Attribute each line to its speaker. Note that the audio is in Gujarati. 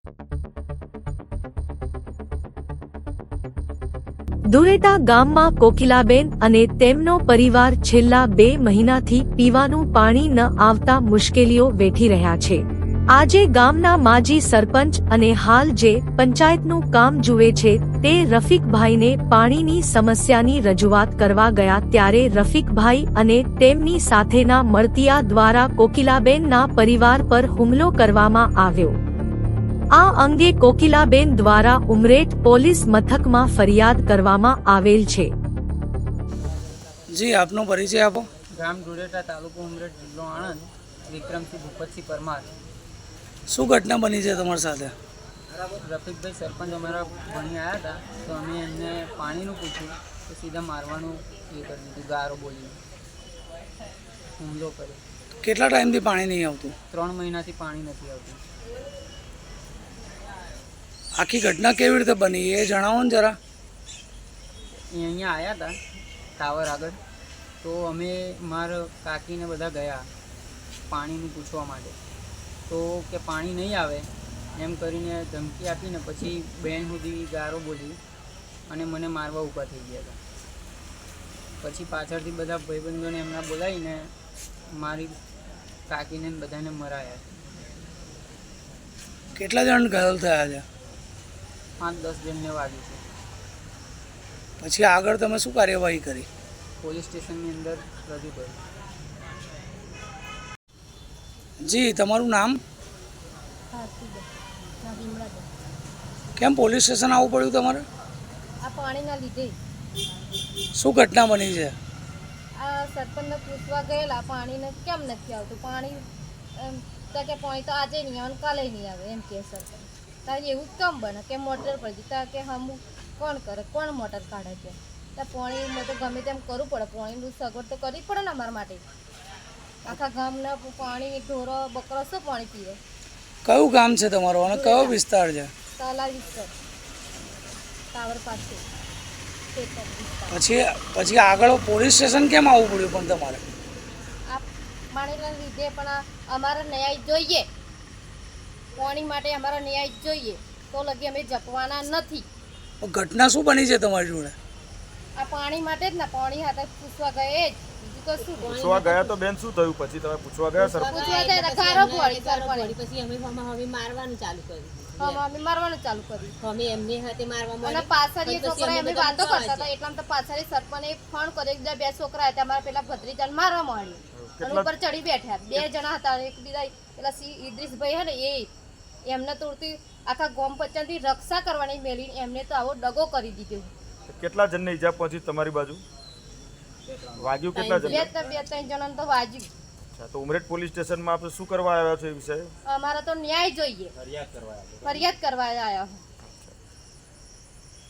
Speaker 1: દુરેટા ગામમાં કોકિલાબેન અને તેમનો પરિવાર છેલ્લા 2 મહિનાથી પીવાનું પાણી ન આવતા મુશ્કેલીઓ વેઠી રહ્યા છે। આજે ગામના માજી સરપંચ અને હાલ જે પંચાયતનું કામ જુએ છે તે રફીકભાઈને પાણીની સમસ્યાની રજૂઆત કરવા ગયા ત્યારે રફીકભાઈ અને તેમની સાથેના મળતિયા દ્વારા કોકિલાબેનના પરિવાર પર હુમલો કરવામાં આવ્યો। આ અંગે કોકિલાબેન દ્વારા ઉમરેઠ પોલીસ મથકમાં ફરિયાદ કરવામાં આવેલ છે।
Speaker 2: જી આપનો પરિચય આપો।
Speaker 3: ગામ દુરેટા, તાલુકો ઉમરેઠ, જિલ્લો આણંદ। વિક્રમસિંહ ભૂપતસિંહ પરમાર।
Speaker 2: શું ઘટના બની છે તમારી સાથે?
Speaker 3: રફીકભાઈ સરપંચ અમારા ભણી આવ્યા હતા તો અમે એમને પાણીનું પૂછ્યું તો સીધા મારવાનું એ કરી દીધું, ગારો બોલીને હુમલો કર્યો।
Speaker 2: કેટલા ટાઈમથી પાણી નહીં આવતું?
Speaker 3: 3 મહિનાથી પાણી નથી આવતું।
Speaker 2: આખી ઘટના કેવી રીતે બની એ જણાવો ને જરા।
Speaker 3: એ અહીંયા આવ્યા હતા ટાવર આગળ, તો અમે મારા કાકીને બધા ગયા પાણીનું પૂછવા માટે, તો કે પાણી નહીં આવે એમ કરીને ધમકી આપીને પછી બેન સુધી ગારો બોલી અને મને મારવા ઊભા થઈ ગયા હતા। પછી પાછળથી બધા ભાઈબંધોને એમના બોલાવીને મારી કાકીને બધાને મરાયા।
Speaker 2: કેટલા જણ ઘાયલ થયા છે?
Speaker 3: 5-10 જણને વાગ્યું છે।
Speaker 2: પછી આગળ તમે શું કાર્યવાહી કરી?
Speaker 3: પોલીસ સ્ટેશનની અંદર રજૂ કર્યું।
Speaker 2: જી તમારું નામ? કેમ પોલીસ સ્ટેશન આવવું પડ્યું તમારે?
Speaker 4: આ પાણીના લીધે।
Speaker 2: શું ઘટના બની છે?
Speaker 4: આ સરપંચને પૂછવા ગયેલા પાણીને કેમ નથી આવતું, પાણી તો કે પાણી તો આજે નહીં આવે કાલે નહીં આવે એમ કે સરપંચ। તારે એવું કેમ બને કે મોટર પર જતા કે હમ કોણ કરે, કોણ મોટર કાઢે છે? ત્યાં પાણીમાં તો ગમે તેમ કરવું પડે, પાણીનું સગવડ તો કરવી પડે ને અમારા માટે। આખા ગામના પાણી ઢોરો બકરો શું પાણી પીવે?
Speaker 2: કયું ગામ છે તમારું અને કયો વિસ્તાર છે?
Speaker 4: તલા વિસ્તાર, ટાવર પાસે।
Speaker 2: પછી આગળ પોલીસ સ્ટેશન કેમ આવવું પડ્યું પણ તમારે?
Speaker 4: આ પાણીના લીધે પણ અમારે ન્યાય જોઈએ, પાણી માટે અમારે ન્યાય જોઈએ, તો લગી અમે જપવાના નથી।
Speaker 2: ઘટના શું બની છે તમારી જોડે?
Speaker 4: આ પાણી માટે જ ને, પાણી હાથે પૂછવા ગયે જ, બીજું કશું
Speaker 5: પૂછવા ગયા તો બેન શું થયું પછી તમે પૂછવા ગયા સરપંચ?
Speaker 4: પૂછવા ગયા ગારો પડી સરપંચ,
Speaker 6: પછી અમે મારવાનું ચાલુ કર્યું।
Speaker 4: અમે મારવાનું ચાલુ કર્યું
Speaker 6: અમે એમને હાથે મારવા
Speaker 4: અને પાછળ એ છોકરા અમે વાતો કરતા હતા એટલામાં તો પાછળ સરપંચે ફોન કર્યો, એકબીજા 2 છોકરા હતા અમારા પેલા ભત્રીજાને મારવા માંડ્યું અને ઉપર ચડી બેઠા। 2 જણા હતા, એકબીજા પેલા ઇદ્રીસભાઈ હે ને એમને તોડતી આખા ગોમ પંચાયતની રક્ષા કરવાની મેળવી એમને તો આવો દગો કરી દીધો।
Speaker 5: કેટલા જણને ઈજા પહોંચી તમારી બાજુ? વાગ્યું કેટલા જણ?
Speaker 4: 2-3 જણાને તો વાગ્યું।
Speaker 5: અચ્છા, તો ઉમરેઠ પોલીસ સ્ટેશનમાં આપણે શું કરવા આવ્યા છો એ વિષય?
Speaker 4: અમારે તો ન્યાય જોઈએ, ફરિયાદ કરવા આવ્યા।